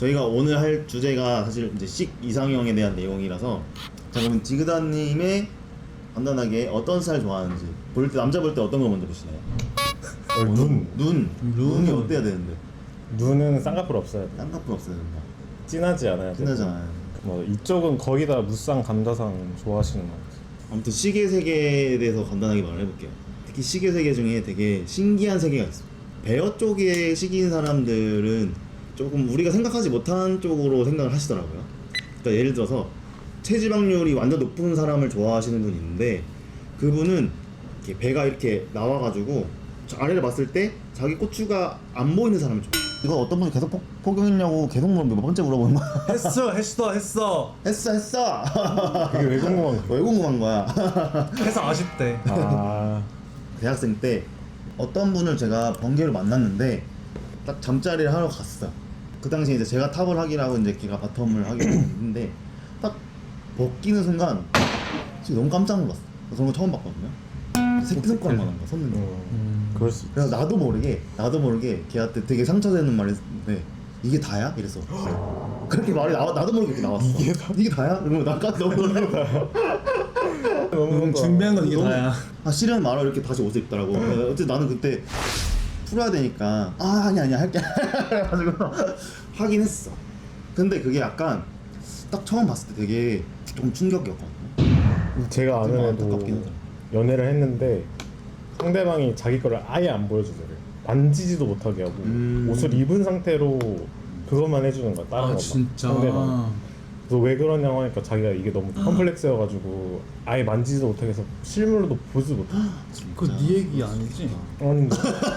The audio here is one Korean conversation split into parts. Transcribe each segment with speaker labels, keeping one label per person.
Speaker 1: 저희가 오늘 할 주제가 사실 이제 식 이상형에 대한 내용이라서 자 그러면 디그다님의 간단하게 어떤 스타일 좋아하는지 볼 때 남자 볼 때 어떤 거 먼저 보시나요? 눈이 어때야 되는데?
Speaker 2: 눈은 쌍꺼풀 없어야 돼.
Speaker 1: 쌍꺼풀 없어야 된다.
Speaker 2: 진하지 않아야 돼.
Speaker 1: 진하지 않아요.
Speaker 2: 뭐 이쪽은 거의 다 무쌍, 감자상 좋아하시는 것 같아요.
Speaker 1: 아무튼 시계 세계에 대해서 간단하게 말을 해볼게요. 특히 시계 세계 중에 되게 신기한 세계가 있어요. 베어 쪽에 시기인 사람들은 조금 우리가 생각하지 못한 쪽으로 생각을 하시더라고요. 그러니까 예를 들어서 체지방률이 완전 높은 사람을 좋아하시는 분이 있는데 그분은 이렇게 배가 이렇게 나와가지고 저 아래를 봤을 때 자기 꼬추가 안 보이는 사람을 좋아해요. 이거 어떤 분이 계속 포경했냐고 계속 몇 번째 물어보는 거야.
Speaker 3: 했어.
Speaker 1: 했어.
Speaker 2: 그게 왜 궁금한 거야?
Speaker 1: 왜 궁금한 거야?
Speaker 3: 해서 아쉽대.
Speaker 2: 아,
Speaker 1: 대학생 때 어떤 분을 제가 번개로 만났는데 딱 잠자리를 하러 갔어. 그 당시에 이제 제가 탑을 하긴 하고 이제 걔가 바텀을 하긴 했는데 딱 벗기는 순간 진짜 너무 깜짝 놀랐어. 그런 거 처음 봤거든요. 새끼손가락만 한 거야, 섰는데.
Speaker 2: 그럴 수 있지.
Speaker 1: 그래서 나도 모르게 걔한테 되게 상처되는 말을 했는데 이게 다야? 이랬어. 그렇게 말이 나도 모르게 이렇게 나왔어. 이게 다야? 이러면 나 깜짝 놀랐어.
Speaker 3: 준비한 건 이게
Speaker 1: 너무-
Speaker 3: 다야.
Speaker 1: 싫은 말을 이렇게 다시 옷을 입더라고. 어쨌든 나는 그때 풀어야 되니까 아니야 할게 그래가지고 하긴 했어. 근데 그게 약간 딱 처음 봤을 때 되게 좀 충격이었거든요.
Speaker 2: 제가 아는
Speaker 1: 안타깝긴
Speaker 2: 애도
Speaker 1: 하죠.
Speaker 2: 연애를 했는데 상대방이 자기 거를 아예 안 보여주더래. 만지지도 못하게 하고 옷을 입은 상태로 그것만 해주는 거야. 다른
Speaker 3: 아
Speaker 2: 것만.
Speaker 3: 진짜.
Speaker 2: 상대방. 그래서 왜 그러냐고 하니까 자기가 이게 너무 컴플렉스여가지고 아예 만지지도 못하게 해서 실물로도 보지도 못해.
Speaker 3: 그거 네 얘기 아니지?
Speaker 2: 아닌데.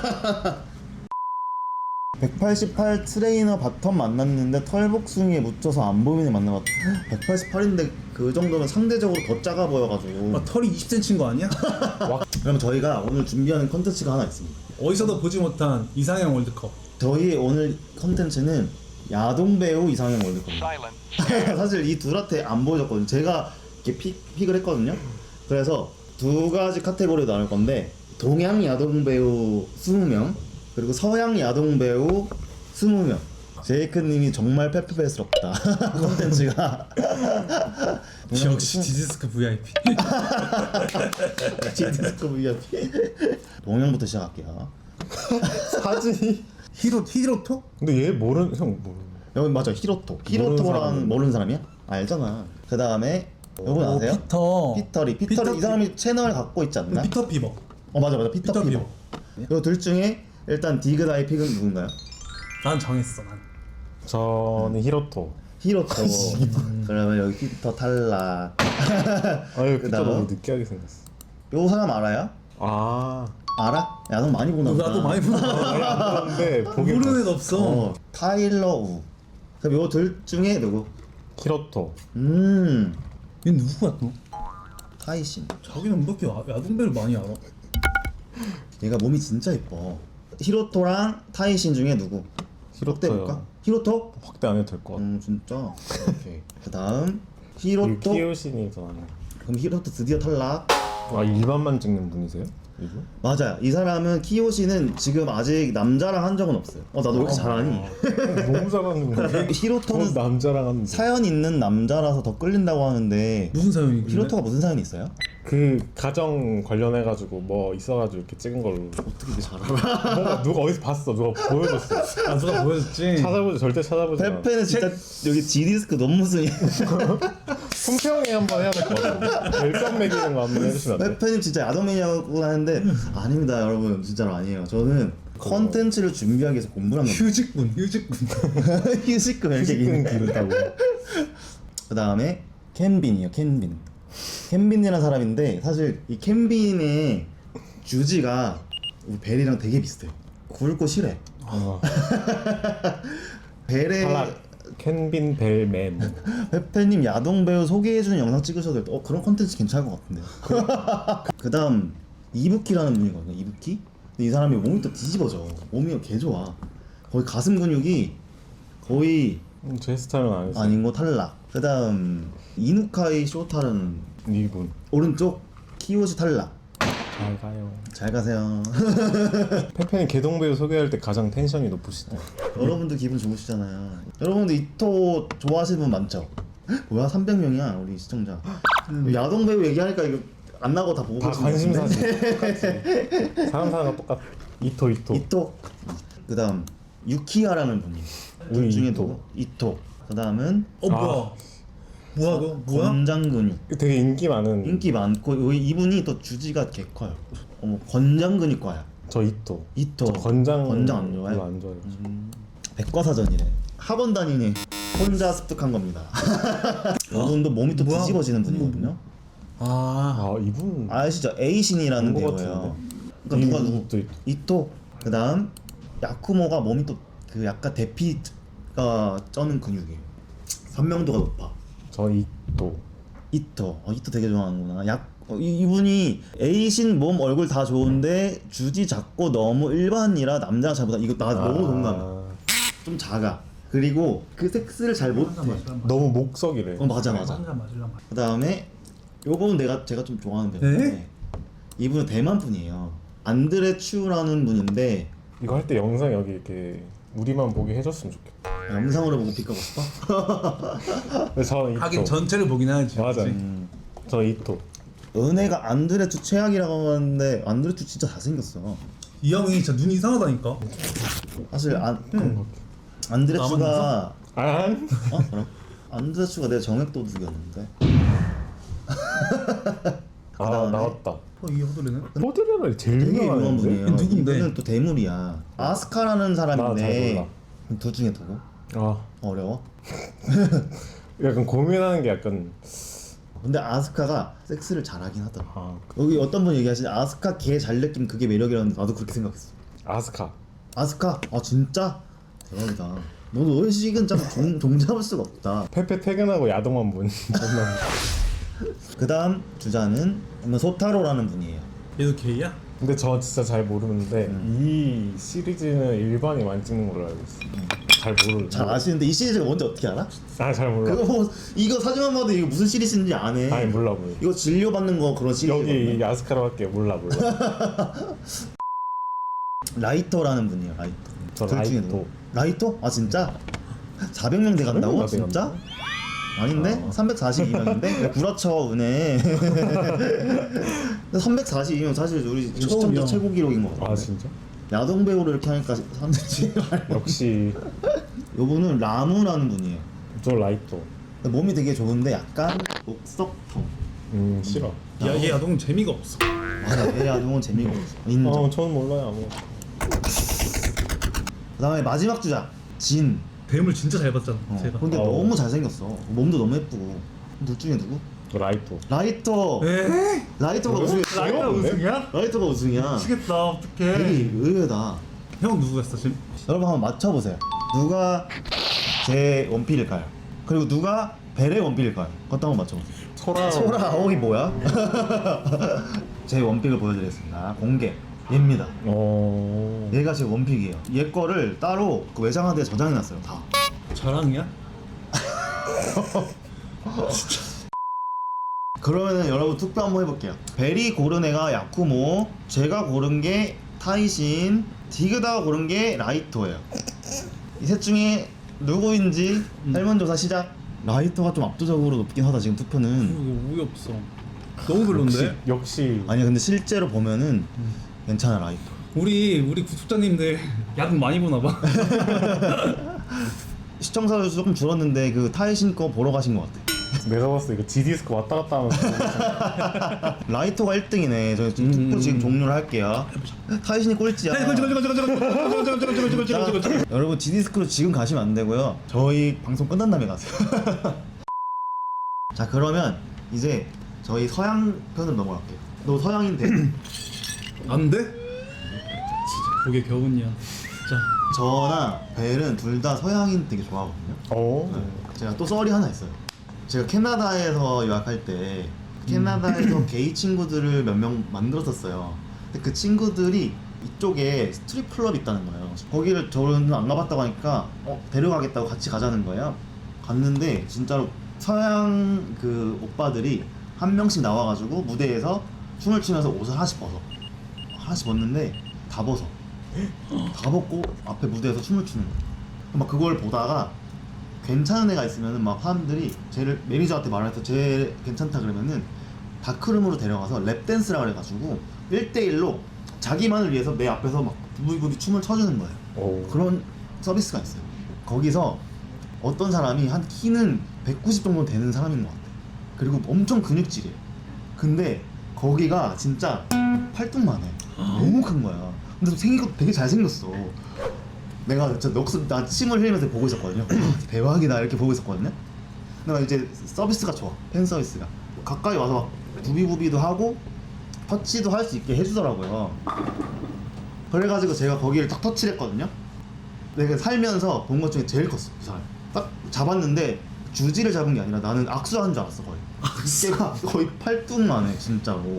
Speaker 1: 188 트레이너 바텀 만났는데 털복숭이에 묻혀서 안 보이는 만나봤다. 188인데 그 정도면 상대적으로 더 작아 보여가지고.
Speaker 3: 아, 털이 20cm인 거 아니야?
Speaker 1: 그럼 저희가 오늘 준비하는 컨텐츠가 하나 있습니다.
Speaker 3: 어디서도 보지 못한 이상형 월드컵.
Speaker 1: 저희 오늘 컨텐츠는 야동배우 이상형 월드컵입니다. 사실 이 둘한테 안 보여줬거든요. 제가 이렇게 픽을 했거든요. 그래서 두 가지 카테고리로 나눌 건데 동양 야동배우 20명 그리고 서양 야동배우 20명. 제이크님이 정말 페페페스럽다. 컨텐츠가
Speaker 3: 역시 디지스크 VIP.
Speaker 1: 디스코 VIP. 동양부터 시작할게요. 사진이
Speaker 3: 히로토?
Speaker 2: 근데 얘 모르는 형 모르는.
Speaker 1: 여기 맞아 히로토랑 모르는 사람이야? 알잖아. 그 다음에 여러분 아세요? 피터리 이 사람이 채널 갖고 있지 않나?
Speaker 3: 피터 피버.
Speaker 1: 맞아 피터 피버. 이 둘 중에 일단 디그다의 픽은 누군가요?
Speaker 3: 난 정했어 난.
Speaker 2: 저는 히로토.
Speaker 1: 히로토. 그러면 여기 피터 탈락.
Speaker 2: 아유,
Speaker 1: 그다음?
Speaker 2: 피터 너무 느끼하게 생겼어.
Speaker 1: 요 사람 알아요?
Speaker 2: 아,
Speaker 1: 알아? 야동 많이 보나 보다.
Speaker 3: 나도 많이 보나.
Speaker 2: 근데 보긴
Speaker 3: 모르는 애
Speaker 2: 봤어.
Speaker 3: 없어.
Speaker 1: 타일러 우. 그럼 요 둘 중에 누구?
Speaker 2: 히로토.
Speaker 3: 얘 누구야 또?
Speaker 1: 타이신.
Speaker 3: 자기는 뭐 이렇게 야동배를 많이 알아?
Speaker 1: 얘가 몸이 진짜 예뻐. 히로토랑 타이신 중에 누구? 확대 볼까?
Speaker 2: 히로토요.
Speaker 1: 히로토?
Speaker 2: 확대 안 해도 될 것 같아.
Speaker 1: 진짜. 오케이. 그 다음 히로토.
Speaker 2: 키요신이 더 나네.
Speaker 1: 그럼 히로토 드디어 탈락.
Speaker 2: 아, 일반만 찍는 분이세요? 요즘?
Speaker 1: 맞아요. 이 사람은 키요시는 지금 아직 남자랑 한 적은 없어요. 나도 왜 이렇게 잘하니?
Speaker 2: 너무 잘하는 거야.
Speaker 1: 히로토는
Speaker 2: 남자랑 하는데.
Speaker 1: 사연 있는 남자라서 더 끌린다고 하는데
Speaker 3: 무슨 사연이?
Speaker 1: 히로토가 무슨 사연이 있어요?
Speaker 2: 그 가정 관련해가지고 뭐 있어가지고 이렇게 찍은 걸로.
Speaker 1: 어떻게 이렇게 잘 알아?
Speaker 2: 뭔가 누가 어디서 봤어. 누가 보여줬어.
Speaker 3: 아 누가 보여줬지?
Speaker 2: 절대 찾아보지 마.
Speaker 1: 페페는 진짜 여기 G디스크 논문순이.
Speaker 2: 품평회 한번 해야 될 것 같아. 별점 매기는 거 한번 해주시면 안 돼?
Speaker 1: 페페님 진짜 야동맨이라고 하는데 아닙니다 여러분 진짜로 아니에요. 저는 컨텐츠를 준비하기 위해서 공부를 한 겁니다.
Speaker 3: 휴직군.
Speaker 1: 휴식금 이렇게
Speaker 2: 휴식은
Speaker 1: 얘기해.
Speaker 2: 기르다고.
Speaker 1: 그 다음에 켄빈이요. 켄빈이라는 사람인데 사실 이 켄빈의 주지가 우리 벨이랑 되게 비슷해요. 굵고 실해.
Speaker 2: 아,
Speaker 1: 벨의
Speaker 2: 탈락. 켄빈 벨맨.
Speaker 1: 페페님 야동 배우 소개해주는 영상 찍으셔도 될 때 그런 컨텐츠 괜찮을 것 같은데. 그 다음 이부키라는 분이거든요. 이부키? 근데 이 사람이 몸이 또 뒤집어져. 몸이 개 좋아. 거의 가슴 근육이 거의
Speaker 2: 제 스타일은 아니었어.
Speaker 1: 아닌 거 탈락. 그 다음 이누카이 쇼타는
Speaker 2: 이분.
Speaker 1: 오른쪽 키요시 탈락.
Speaker 2: 잘 가요.
Speaker 1: 잘 가세요.
Speaker 2: 페페는 개동배우 소개할 때 가장 텐션이 높으시다.
Speaker 1: 여러분들 기분 좋으시잖아요. 여러분들 이토 좋아하시는 분 많죠? 뭐야 300명이야 우리 시청자. 야동 배우 얘기하니까 이거 안 나고 다 보고
Speaker 2: 다
Speaker 1: 계신 것
Speaker 2: 관심사지.
Speaker 1: 같은데?
Speaker 2: 똑같지. 사람 똑같아. 이토.
Speaker 1: 이토. 그다음 유키야라는 분이. 둘 중에 누구? 이토. 그다음은
Speaker 3: 뭐야? 뭐야 너? 뭐야?
Speaker 1: 권장근육.
Speaker 2: 되게 인기 많은.
Speaker 1: 인기 많고 이분이 또 주지가 개 커요. 권장근육과야.
Speaker 2: 저 이토.
Speaker 1: 이토.
Speaker 2: 저 권장
Speaker 1: 안 좋아해?
Speaker 2: 별로 안 좋아해요.
Speaker 1: 백과사전이래. 학원 다니니 혼자 습득한 겁니다. 이분도 몸이 또
Speaker 3: 뭐야?
Speaker 1: 뒤집어지는 분이거든요.
Speaker 3: 아,
Speaker 2: 이분
Speaker 1: 아시죠? 에이신이라는
Speaker 2: 본것
Speaker 1: 배우예요.
Speaker 2: 같은데?
Speaker 1: 그러니까 누가
Speaker 2: 이토, 이토.
Speaker 1: 이토. 그다음 야쿠모가 몸이 또 그 약간 대피가 쩌는 근육이에요. 선명도가 높아.
Speaker 2: 저 이토.
Speaker 1: 이토. 이토 되게 좋아하는구나. 이분이 에이신 몸 얼굴 다 좋은데 주지 작고 너무 일반이라 남자가 잘 못하. 이거 나 너무 동감해. 좀 작아. 그리고 그 섹스를 잘 못해.
Speaker 2: 너무 목석이래.
Speaker 1: 맞아. 그 다음에 요거는 제가 좀 좋아하는 배우인데 이분은 대만 분이에요. 안드레 츄라는 분인데
Speaker 2: 이거 할 때 영상 여기 이렇게 우리만 보게 해줬으면 좋겠다.
Speaker 1: 영상으로 보고 픽하고 싶어?
Speaker 2: 근데 저 이토.
Speaker 3: 하긴 전체를 보긴 하지.
Speaker 2: 맞아.
Speaker 3: 그치?
Speaker 2: 저 이토.
Speaker 1: 은혜가 안드레 츄 최악이라고 하는데 안드레 츄 진짜 잘생겼어.
Speaker 3: 이 형이 진짜 눈이 이상하다니까.
Speaker 1: 사실 안드레
Speaker 3: 나만
Speaker 1: 츄가
Speaker 2: 안.
Speaker 1: 그럼? 안드레 츄가 내 정액 도둑이었는데. 그다음에
Speaker 2: 나왔다.
Speaker 3: 이 호돌이는?
Speaker 2: 포드레를 제일
Speaker 1: 되게 유명한
Speaker 2: 유명한데.
Speaker 1: 분이에요.
Speaker 3: 누군데?
Speaker 1: 이분은 또 대물이야. 아스카라는
Speaker 2: 나 잘
Speaker 1: 사람인데 둘 중에 누구? 어려워?
Speaker 2: 약간 고민하는 게 약간
Speaker 1: 근데 아스카가 섹스를 잘하긴 하더라. 여기 어떤 분 얘기하시지? 아스카 개 잘 느낌 그게 매력이라는데 나도 그렇게 생각했어.
Speaker 2: 아스카.
Speaker 1: 아스카? 진짜? 대박이다. 너의 식은 참 종잡을 수가 없다.
Speaker 2: 페페 퇴근하고 야동만 본.
Speaker 1: 그 다음 주자는 소타로라는 분이에요.
Speaker 3: 얘도 게이야?
Speaker 2: 근데 저 진짜 잘 모르는데 이 시리즈는 일반이 많이 찍는 걸로 알고 있어. 잘 모르.
Speaker 1: 잘 아시는데 이 시리즈가 뭔지 어떻게 알아?
Speaker 2: 잘 몰라.
Speaker 1: 그거 뭐 이거 사진만 봐도 이거 무슨 시리즈인지 안 해.
Speaker 2: 아니 몰라.
Speaker 1: 이거 진료받는 거 그런 시리즈거든요.
Speaker 2: 여기 아스카로 할게. 몰라.
Speaker 1: 라이터라는 분이에요. 라이터.
Speaker 2: 저
Speaker 1: 둘 중에
Speaker 2: 라이토.
Speaker 1: 누구? 라이터? 진짜? 400명 돼간다고?
Speaker 2: 400명
Speaker 1: 진짜? 아닌데? 342명인데? 그렇죠 은혜. 342명 사실 우리 시청자
Speaker 3: 처음이야.
Speaker 1: 최고 기록인 것 같아요.
Speaker 2: 진짜?
Speaker 1: 야동 배우를 이렇게 하니까 사람들이
Speaker 2: 역시
Speaker 1: 요분은 라무라는 분이에요.
Speaker 2: 저 라이토.
Speaker 1: 몸이 되게 좋은데 약간 옥석통.
Speaker 2: 싫어.
Speaker 3: 얘 야동은 재미가 없어.
Speaker 1: 맞아, 얘 야동은 재미가 없어. 인정.
Speaker 2: 저는 몰라요 아무것도.
Speaker 1: 그다음에 마지막 주자 진.
Speaker 3: 뱀을 진짜 잘 봤잖아. 제가.
Speaker 1: 근데 너무 잘생겼어. 몸도 너무 예쁘고. 둘 중에 누구?
Speaker 2: 저 라이토.
Speaker 1: 라이터.
Speaker 3: 에이?
Speaker 1: 라이터가 우승했어.
Speaker 3: 라이가 우승이야?
Speaker 1: 라이터가 우승이야.
Speaker 3: 미치겠다.
Speaker 1: 되게
Speaker 3: 어떡해.
Speaker 1: 의외다.
Speaker 3: 형 누구였어 지금?
Speaker 1: 여러분 한번 맞춰보세요. 누가 제 원필일까요? 그리고 누가 벨의 원필일까요? 그것도 한번 맞춰보세요. 소라 아오이 뭐야? 제 원픽을 보여드리겠습니다. 공개. 얘입니다. 얘가 제 원픽이에요. 얘 거를 따로 그 외장하드에 저장해놨어요. 다.
Speaker 3: 자랑이야?
Speaker 1: 그러면은 여러분 투표 한번 해볼게요. 벨이 고른 애가 야쿠모, 제가 고른 게 타이신, 디그다가 고른 게 라이토예요. 이 셋 중에 누구인지 설문조사 시작. 라이토가 좀 압도적으로 높긴 하다 지금 투표는.
Speaker 3: 이거 우유 없어. 너무 별론데?
Speaker 2: 역시
Speaker 1: 아니야 근데 실제로 보면은 괜찮아 라이토.
Speaker 3: 우리 구독자님들 야동 많이 보나 봐.
Speaker 1: 시청자 수 조금 줄었는데 그 타이신 거 보러 가신 것 같아.
Speaker 2: 내가 봤을 때 이거 G디스크 왔다 갔다 하면서
Speaker 1: 라이토가 1등이네. 저희 지금 투표 지금 종료를 할게요. 타이신이 꼴찌야. 여러분 G디스크로 지금 가시면 안 되고요. 저희 방송 끝난 다음에 가세요. 자 그러면 이제 저희 서양 편으로 넘어갈게요. 너 서양인데
Speaker 3: 안 돼? 진짜 그게 겨우냐. 자,
Speaker 1: 저나 벨은 둘 다 서양인 되게 좋아하거든요. 제가 또 썰이 하나 있어요. 제가 캐나다에서 유학할 때 캐나다에서 게이 친구들을 몇 명 만들었었어요. 근데 그 친구들이 이쪽에 스트립 클럽이 있다는 거예요. 거기를 저는 안 가봤다고 하니까 데려가겠다고 같이 가자는 거예요. 갔는데 진짜로 서양 그 오빠들이 한 명씩 나와가지고 무대에서 춤을 추면서 옷을 하나씩 벗어. 하나씩 벗는데 다 벗어. 다 벗고 앞에 무대에서 춤을 추는 거야. 막 그걸 보다가 괜찮은 애가 있으면은 막 사람들이 쟤를 매니저한테 말해서 쟤 괜찮다 그러면은 다크룸으로 데려가서 랩댄스라 그래가지고 1대1로 자기만을 위해서 내 앞에서 막 부비부비 춤을 춰주는 거예요.
Speaker 2: 오.
Speaker 1: 그런 서비스가 있어요. 거기서 어떤 사람이 한 키는 190 정도 되는 사람인 것 같아. 그리고 엄청 근육질이에요. 근데 거기가 진짜 팔뚝만 해. 너무 큰 거야. 근데 생긴 것도 되게 잘생겼어. 내가 진짜 나 침을 흘리면서 보고 있었거든요. 대박이다 이렇게 보고 있었거든요. 근데 이제 서비스가 좋아. 팬 서비스가 가까이 와서 막 부비부비도 하고 터치도 할 수 있게 해주더라고요. 그래가지고 제가 거기를 딱 터치를 했거든요. 내가 살면서 본 것 중에 제일 컸어. 그 사람 딱 잡았는데 주지를 잡은 게 아니라 나는 악수한 줄 알았어. 거의 걔가 거의 팔뚝만 해 진짜로.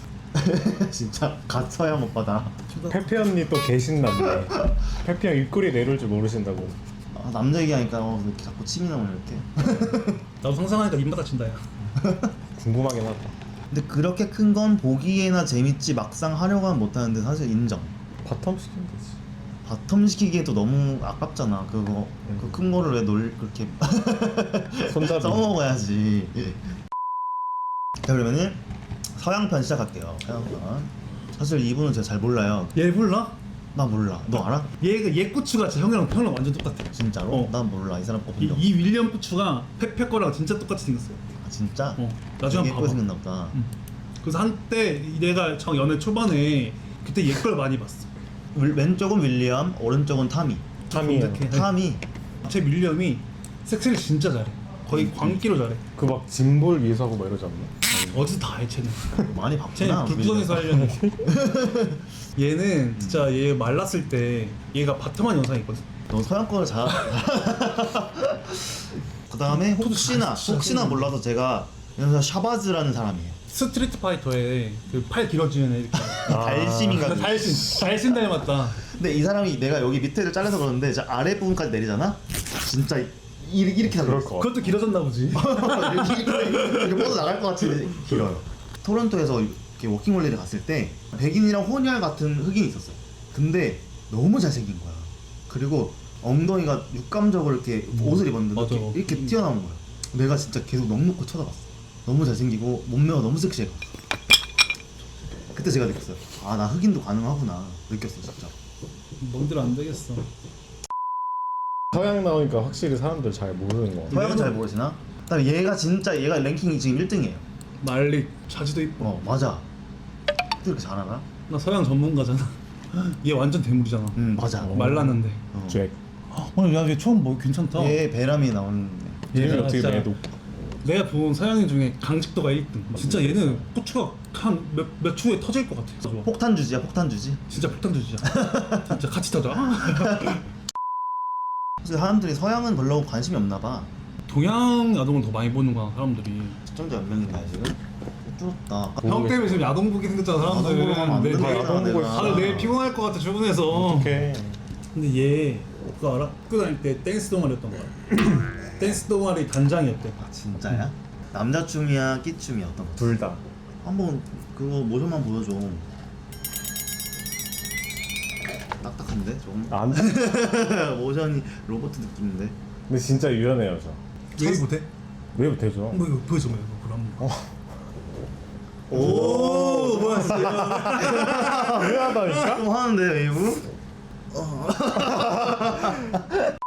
Speaker 1: 진짜 갓 서양 오빠다.
Speaker 2: 페페 언니 또 계신다네. 페페 형 입꼬리 내려올 줄 모르신다고.
Speaker 1: 아, 남자 얘기하니까 이렇게 자꾸 침이 나오네 이렇게.
Speaker 3: 나도 상상하니까 입맛 다친다 야.
Speaker 2: 궁금하긴 하다.
Speaker 1: 근데 그렇게 큰 건 보기에나 재밌지 막상 하려고 하면 못하는데 사실 인정.
Speaker 2: 바텀 시키면 되지.
Speaker 1: 바텀 시키기에도 너무 아깝잖아. 그거 그 큰 거를 왜 그렇게
Speaker 2: 손잡이.
Speaker 1: 써먹어야지. 자 그러면은 서양편 시작할게요. 서양편. 사실 이분은 제가 잘 몰라요.
Speaker 3: 얘 몰라?
Speaker 1: 나 몰라. 너 알아?
Speaker 3: 얘 고추가 진짜 형이랑 완전 똑같아.
Speaker 1: 진짜로?
Speaker 3: 어.
Speaker 1: 난 몰라. 이 사람 거 본
Speaker 3: 이,
Speaker 1: 적.
Speaker 3: 이 윌리엄 고추가 페페 거랑 진짜 똑같이 생겼어.
Speaker 1: 아 진짜?
Speaker 3: 나중에
Speaker 1: 되게
Speaker 3: 한번
Speaker 1: 예쁘게
Speaker 3: 봐봐.
Speaker 1: 생겼나 보다.
Speaker 3: 그래서 한때 내가 정 연애 초반에 그때 얘 걸 많이 봤어.
Speaker 1: 왼쪽은 윌리엄, 오른쪽은 타미.
Speaker 2: 탐이야.
Speaker 3: 검색해.
Speaker 1: 타미.
Speaker 3: 제 윌리엄이 섹스를 진짜 잘해. 거의 광기로 잘해.
Speaker 2: 그 막 짐볼 위에서 하고 막 이러지 않나?
Speaker 3: 어디서 다 해 쟤는.
Speaker 1: 많이
Speaker 3: 쟤는
Speaker 1: 바쁘나?
Speaker 3: 불구덩이에서 하려는. 얘는 진짜 얘 말랐을 때 얘가 바텀한 영상이 있거든.
Speaker 1: 너 서양 거를 잘. 그 다음에 혹시나 몰라서 제가 여기서 샤바즈라는 사람이에요.
Speaker 3: 스트리트 파이터에 그 팔 길어지는 애 이렇게.
Speaker 1: 달심인가?
Speaker 3: 달신 닮았다.
Speaker 1: 근데 이 사람이 내가 여기 밑에를 잘라서 그러는데 저 아래 부분까지 내리잖아. 진짜 이렇게
Speaker 2: 그럴 것 같아.
Speaker 3: 그것도 길어졌나 보지.
Speaker 1: 이렇게 뻗어 나갈 것 같이 길어요. 토론토에서 이렇게 워킹홀리를 갔을 때 백인이랑 혼혈 같은 흑인이 있었어요. 근데 너무 잘생긴 거야. 그리고 엉덩이가 육감적으로 이렇게 옷을 입었는데
Speaker 3: 맞아.
Speaker 1: 이렇게 튀어나온 거야. 내가 진짜 계속 넋놓고 쳐다봤어. 너무 잘생기고 몸매가 너무 섹시해. 그때 제가 느꼈어요. 아 나 흑인도 가능하구나 느꼈어 진짜.
Speaker 3: 뭔들 안 되겠어.
Speaker 2: 서양 나오니까 확실히 사람들 잘 모르는 거 같아.
Speaker 1: 서양은 잘 모르시나? 그다음에 얘가 랭킹이 지금 1등이에요.
Speaker 3: 말리 자지도 이뻐.
Speaker 1: 맞아. 또 이렇게 잘하나?
Speaker 3: 나 서양 전문가잖아. 얘 완전 대물이잖아.
Speaker 1: 맞아.
Speaker 3: 말랐는데.
Speaker 2: 잭.
Speaker 3: 야얘 처음 뭐 괜찮다.
Speaker 1: 얘 베람이 나오는데.
Speaker 2: 얘는
Speaker 3: 얘가
Speaker 2: 어떻게
Speaker 3: 진짜
Speaker 2: 매도?
Speaker 3: 내가 본 서양인 중에 강직도가 1등. 진짜 얘는 고추가 한 몇 초에 터질 것 같아. 좋아.
Speaker 1: 폭탄 주지야 폭탄 주지.
Speaker 3: 진짜 폭탄 주지야. 진짜 같이 터져.
Speaker 1: 사실 사람들이 서양은 별로 관심이 없나 봐.
Speaker 3: 동양 야동을 더 많이 보는구나 사람들이.
Speaker 1: 시청자 몇 명인가요 지금? 뚫었다.
Speaker 3: 형 때문에 지금 야동 보기 생겼잖아
Speaker 1: 야동 보러 가면 안
Speaker 3: 사람들.
Speaker 1: 되잖아,
Speaker 2: 야동 보고
Speaker 1: 내가.
Speaker 2: 있어.
Speaker 3: 다들 내일 피곤할 것 같아 출근해서.
Speaker 2: 오케이.
Speaker 3: 근데 얘 그거 알아? 학교 다닐 때 댄스 동아리였던 거야. 댄스 동아리 단장이었대.
Speaker 1: 아 진짜야? 남자 춤이야 끼 춤이야 어떤 거?
Speaker 2: 둘 다.
Speaker 1: 한번 그거 모션만 보여줘. 딱딱한데 조금.
Speaker 2: 안.
Speaker 1: 모션이 로봇 느낌인데.
Speaker 2: 근데 진짜 유연해요 저.
Speaker 3: 얘 못해?
Speaker 2: 왜 못해줘?
Speaker 3: 뭐 이거 보여줘 뭐 이거 그럼.
Speaker 1: 오 뭐야 진짜.
Speaker 2: 유연하다니까?
Speaker 1: 좀 하는데 웨이브?